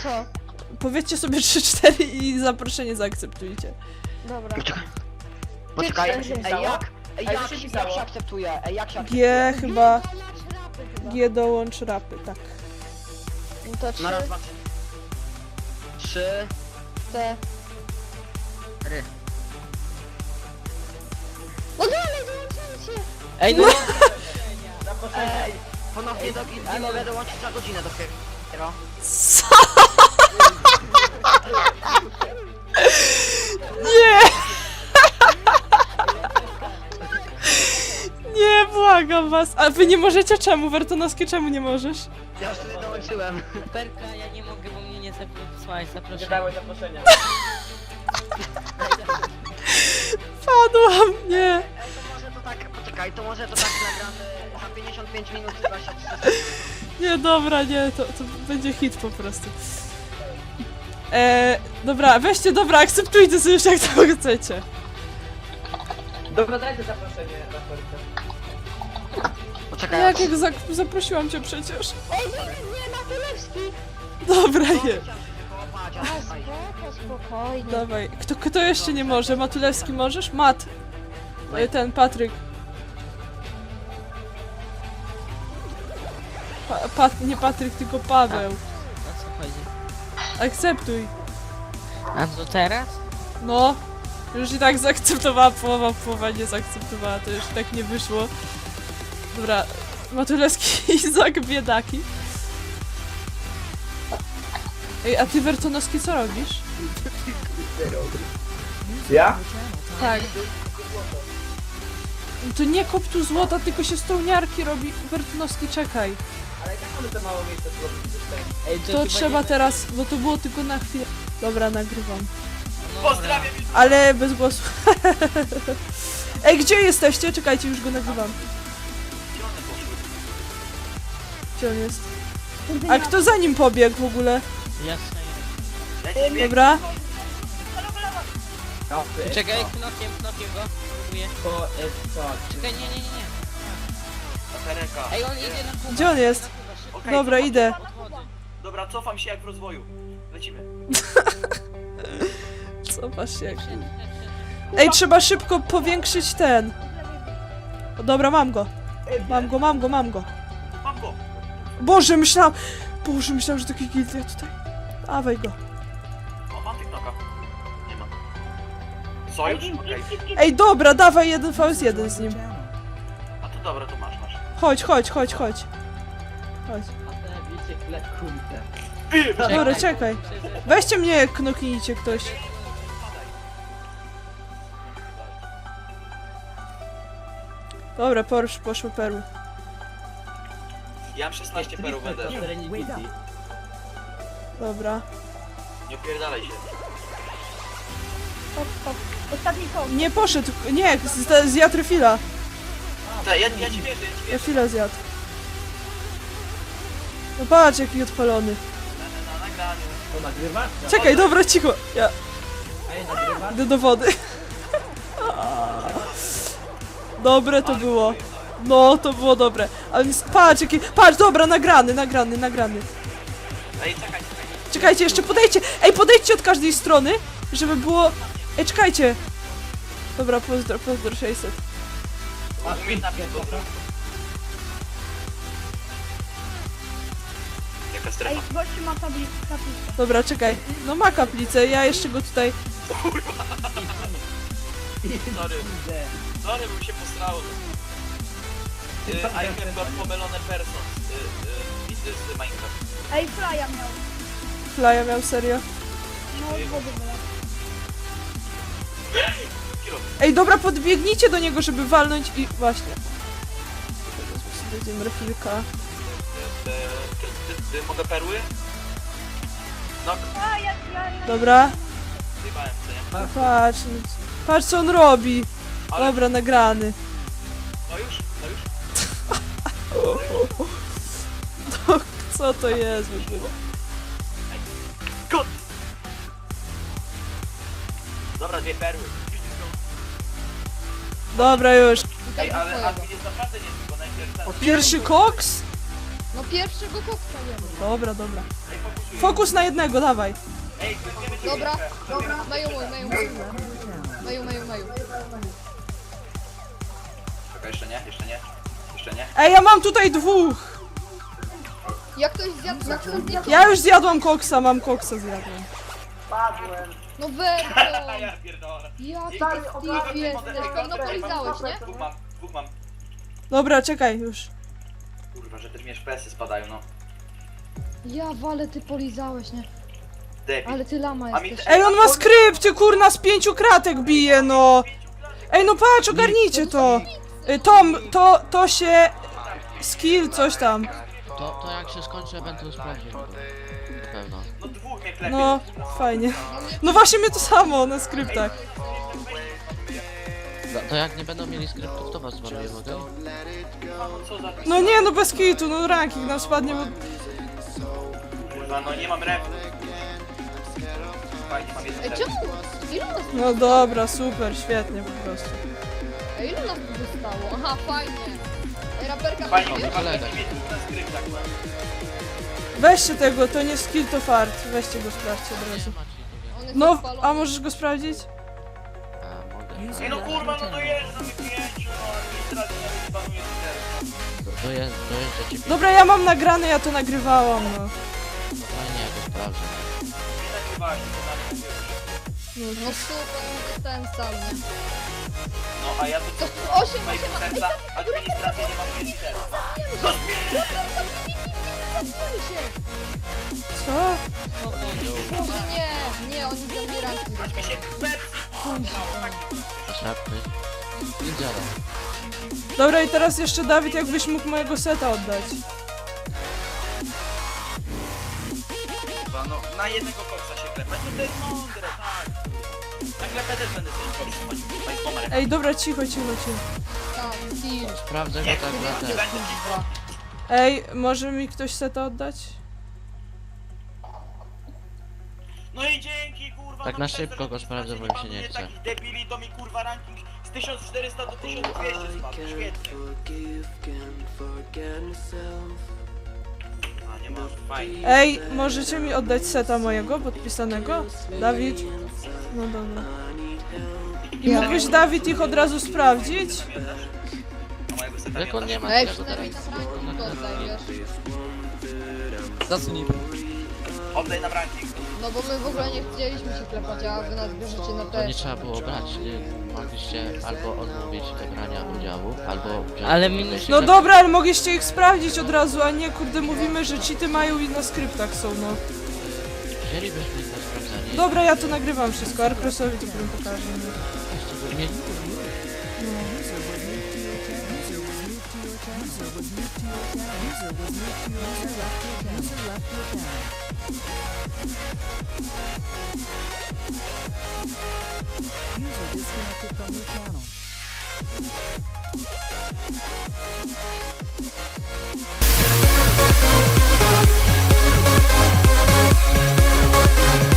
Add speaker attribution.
Speaker 1: Co?
Speaker 2: Powiedzcie sobie 3-4 i zaproszenie zaakceptujcie.
Speaker 1: Dobra.
Speaker 3: Poczekaj,
Speaker 1: Ty,
Speaker 3: jak się akceptuje? Jak się akceptuje?
Speaker 2: G chyba.
Speaker 1: Dołącz rapy chyba.
Speaker 2: G dołącz rapy, tak.
Speaker 1: No to 3,
Speaker 3: Na raz, dwa, trzy.
Speaker 1: 4.
Speaker 3: Ry.
Speaker 1: No dalej, dołączajcie!
Speaker 4: Ej, no
Speaker 3: Ej, ponownie do gildii mogę dołączyć za godzinę dopiero.
Speaker 2: Co? Nie! Nie, błagam was. A wy nie możecie czemu? Wertonowski, czemu nie możesz?
Speaker 3: Ja już tutaj dołączyłem.
Speaker 4: Perka, ja nie mogę, bo mnie nie wysłałeś zaproszenia.
Speaker 5: Nie dałeś zaproszenia.
Speaker 2: Padłam, nie.
Speaker 3: To może to tak, poczekaj, to może to tak nagramy za 55 minut 23
Speaker 2: Nie, dobra, nie, to będzie hit po prostu. Dobra, weźcie, dobra, akceptujcie sobie już jak to chcecie.
Speaker 5: Dobra, dajcie zaproszenie na Perkę.
Speaker 3: Poczekaj,
Speaker 2: Jak zaprosiłam cię przecież.
Speaker 1: Ej, nie, Matylewski!
Speaker 2: Dobra,
Speaker 3: to
Speaker 2: je.
Speaker 3: chciałem się wykołapać,
Speaker 1: A,
Speaker 3: ale tutaj.
Speaker 1: spokojnie.
Speaker 2: Dawaj. Kto jeszcze nie może? Matulewski możesz? Mat. Ten, Patryk. Nie Patryk, tylko Paweł.
Speaker 4: O co chodzi?
Speaker 2: Akceptuj.
Speaker 4: A to teraz?
Speaker 2: No. Już i tak zaakceptowała połowa nie zaakceptowała, to już tak nie wyszło. Dobra. Matulewski i Izak biedaki. Ej, a ty Wertonowski co robisz?
Speaker 5: Ja?
Speaker 2: Tak. To nie kop tu złota, tylko się stołniarki robi. Wertonowski, czekaj.
Speaker 5: Ale i tak mamy to mało miejsca zrobić system.
Speaker 4: Ej,
Speaker 2: To
Speaker 4: chyba
Speaker 2: trzeba
Speaker 4: nie...
Speaker 2: teraz, bo to było tylko na chwilę. Dobra, nagrywam.
Speaker 4: No,
Speaker 5: Pozdrawiam już.
Speaker 2: Ale bez głosu. Ej, gdzie jesteście? Czekajcie, już go nagrywam. Gdzie on jest? A kto za nim pobiegł w ogóle?
Speaker 4: Jasne.
Speaker 2: Dobra.
Speaker 5: No,
Speaker 4: Czekaj, knokiem go. Próbuję.
Speaker 5: To co?
Speaker 4: Czekaj, nie.
Speaker 5: Pereka.
Speaker 4: Ej, on idzie na Kubę.
Speaker 2: Gdzie on jest?
Speaker 5: Okej,
Speaker 2: Dobra,
Speaker 5: cofam-
Speaker 2: idę.
Speaker 5: Dobra, cofam się jak w rozwoju. Lecimy.
Speaker 2: Cofasz się jak... Ej, trzeba szybko powiększyć ten. O, dobra, mam go. Mam go.
Speaker 5: Mam go.
Speaker 2: Boże, myślałam, że taki gildia tutaj. Dawaj go.
Speaker 5: O, mam TikToka. Nie mam. Sojusz? Okej.
Speaker 2: Ej, dobra, dawaj 1v1 z nim.
Speaker 5: A to dobra, to masz.
Speaker 2: Chodź. Chodź. Dobra, czekaj. Weźcie mnie, knoknijcie ktoś. Dobra, poszły perły.
Speaker 5: Ja mam 16 perów będę.
Speaker 2: Dobra.
Speaker 5: Nie opierdalaj się.
Speaker 1: Ostatni koło.
Speaker 2: Nie poszedł, nie, zjadł refila.
Speaker 5: Ja ci wierzę.
Speaker 2: Refila zjadł. No patrz, jaki odpalony.
Speaker 5: Na nagraniu.
Speaker 6: To nagrywasz?
Speaker 2: Czekaj, dobra, cicho. Ja
Speaker 6: Ej, nagrywasz?
Speaker 2: idę do wody. Dobre to było. No, to było dobre. Ale patrz, patrz, dobra, nagrany.
Speaker 5: Ej, czekaj.
Speaker 2: Czekajcie, jeszcze podejdźcie. Ej, podejdźcie od każdej strony, żeby było... Ej, czekajcie. Dobra, pozdro 600.
Speaker 5: Umiejętna pierdolka. Jaka
Speaker 1: Ej,
Speaker 5: strefa?
Speaker 1: gościu ma tablicę.
Speaker 2: Dobra, czekaj. No ma kaplicę, ja jeszcze go tutaj...
Speaker 5: Sorry, bym się posrało. I have got pomylone persons. Widzę z Minecraft.
Speaker 1: Ej, Flya miał.
Speaker 2: Flya miał, serio.
Speaker 1: No, z wody wylał.
Speaker 5: Kilo.
Speaker 2: Ej, dobra, podbiegnijcie do niego, żeby walnąć i... Właśnie. Będziemy refilka.
Speaker 5: Mogę perły? No,
Speaker 1: A, ja...
Speaker 2: Dobra.
Speaker 5: zjebałem, co nie?
Speaker 2: Patrz co on robi.
Speaker 5: Ale-
Speaker 2: Dobra, nagrany.
Speaker 5: No już?
Speaker 2: Co to jest w ogóle?
Speaker 5: Kot! Dobra, 2 perły.
Speaker 2: Dobra, już.
Speaker 5: Ej, ale admin jest naprawdę niezły, bo najpierw ten...
Speaker 2: Pierwszy koks?
Speaker 7: No pierwszego koksa jemy.
Speaker 2: Dobra, dobra. Fokus na jednego, dawaj.
Speaker 5: Ej, klikniemy
Speaker 7: Dobra,
Speaker 5: dźwiękę.
Speaker 7: dobra, Maju mój, Maju mój. Maju.
Speaker 5: Czekaj, jeszcze nie, jeszcze nie. Jeszcze nie.
Speaker 2: Ej, ja mam tutaj dwóch.
Speaker 7: Jak ktoś zjadł,
Speaker 2: Ja już zjadłam koksa, mam koksa zjadłem.
Speaker 7: No Werko!
Speaker 5: Ja pierdolę.
Speaker 7: Ja ty Steve jesteś, pewno polizałeś, nie?
Speaker 5: Dwóch mam.
Speaker 2: Dobra, czekaj, już.
Speaker 5: Kurwa, że też mi FPS-y spadają, no.
Speaker 7: Ja walę, ty polizałeś, nie?
Speaker 5: Debil.
Speaker 7: Ale ty lama
Speaker 5: A mi
Speaker 7: jesteś.
Speaker 2: Ej, on ma skrypty, kurna, z 5 kratek bije, no. Ej, no patrz, ogarnijcie to. Tom, to się... Skill, coś tam.
Speaker 8: To jak się skończy, będę sprawdził. Na pewno.
Speaker 5: No dwóch mnie klepie.
Speaker 2: No, fajnie. No właśnie mnie to samo na skryptach.
Speaker 8: To jak nie będą mieli skryptów, to was zwaruję, mogę?
Speaker 5: Co za...
Speaker 2: No nie, no bez kitu, no ranking nam spadnie, bo...
Speaker 5: Kurwa, no nie mam refu. Fajnie, mam jeden
Speaker 7: Ej,
Speaker 5: ref.
Speaker 7: czemu? Ilu nas tu
Speaker 2: No dobra, super, świetnie po prostu.
Speaker 7: Ej, ilu nas tu zostało? Aha, fajnie. Ej, raperka
Speaker 5: Fajnie,
Speaker 7: wiesz?
Speaker 5: fajnie mieć dwóch na skryptach.
Speaker 2: Weźcie tego, to nie skill, to fart. Weźcie go, sprawdźcie od razu.
Speaker 7: On jest
Speaker 2: No,
Speaker 7: odpalony.
Speaker 2: a możesz go sprawdzić?
Speaker 8: A, mogę.
Speaker 5: Ej, no kurwa, no dojeżdżam mi pięciu, no administracja nawet panuje teraz.
Speaker 8: Dojeżdża cię
Speaker 2: Dobra, ja mam nagrane, ja to nagrywałam, no.
Speaker 8: fajnie, jak go sprawdzę.
Speaker 5: Nie nagrywałeś, to tam mówię.
Speaker 7: No super, no ten sam, nie?
Speaker 5: No, a ja to
Speaker 7: To
Speaker 5: co?
Speaker 7: 8,
Speaker 5: Mojego
Speaker 7: 8,
Speaker 5: serca, administracja nie mam nic teraz.
Speaker 7: się!
Speaker 2: Co?
Speaker 7: Nie, oni zabierają.
Speaker 5: Aż mi się
Speaker 8: Szarpy. I działa.
Speaker 2: Dobra, i teraz jeszcze Dawid, jakbyś mógł mojego seta oddać.
Speaker 5: Kurwa, no na jednego koksa się klepać, no to jest mądre, tak. Na klepę też będę sobie korzystać, tutaj z numerem.
Speaker 2: Ej, dobra, cicho.
Speaker 7: Tam, Steve.
Speaker 8: Sprawdzę go
Speaker 5: Nie,
Speaker 8: tak
Speaker 5: kurwa,
Speaker 8: na
Speaker 5: nie
Speaker 8: ten.
Speaker 5: będę cicho.
Speaker 2: Ej, może mi ktoś seta oddać?
Speaker 5: No i dzięki, kurwa.
Speaker 8: Tak
Speaker 5: no
Speaker 8: na
Speaker 5: przez
Speaker 8: szybko
Speaker 5: to,
Speaker 8: go
Speaker 5: że
Speaker 8: sprawdzę, bo mi się nie
Speaker 5: panuje
Speaker 8: chce.
Speaker 5: takich debili, to mi kurwa ranking z 1400 do 1200 spadł, świetnie. A nie ma, fajnie.
Speaker 2: Ej, możecie mi oddać seta mojego, podpisanego? Dawid? No dobra. I mógłbyś, Dawid, ich od razu sprawdzić?
Speaker 5: A mojego seta
Speaker 8: Jak on
Speaker 5: nie
Speaker 8: nie ma
Speaker 7: Ej,
Speaker 8: tego
Speaker 7: przynajmniej
Speaker 8: teraz.
Speaker 7: tam ranking oddaj, wiesz?
Speaker 4: Zasnij.
Speaker 5: Oddaj nam ranking.
Speaker 7: No bo my w ogóle nie chcieliśmy się klepać, a wy nas bierzecie na
Speaker 8: To
Speaker 7: te...
Speaker 8: nie trzeba było brać, nie? Mogliście albo odmówić brania udziału, albo wziąć...
Speaker 4: Ale mi-
Speaker 8: wejść
Speaker 2: No
Speaker 8: na-
Speaker 2: dobra, ale mogliście ich sprawdzić od razu, a nie, kurde, mówimy, że cheaty mają i na skryptach są, no.
Speaker 8: Wzięlibyśmy ich na sprawdzanie.
Speaker 2: Dobra, ja to nagrywam wszystko, Arcrosowi to potem pokażę.
Speaker 8: Nie,
Speaker 9: User disconnected from your channel.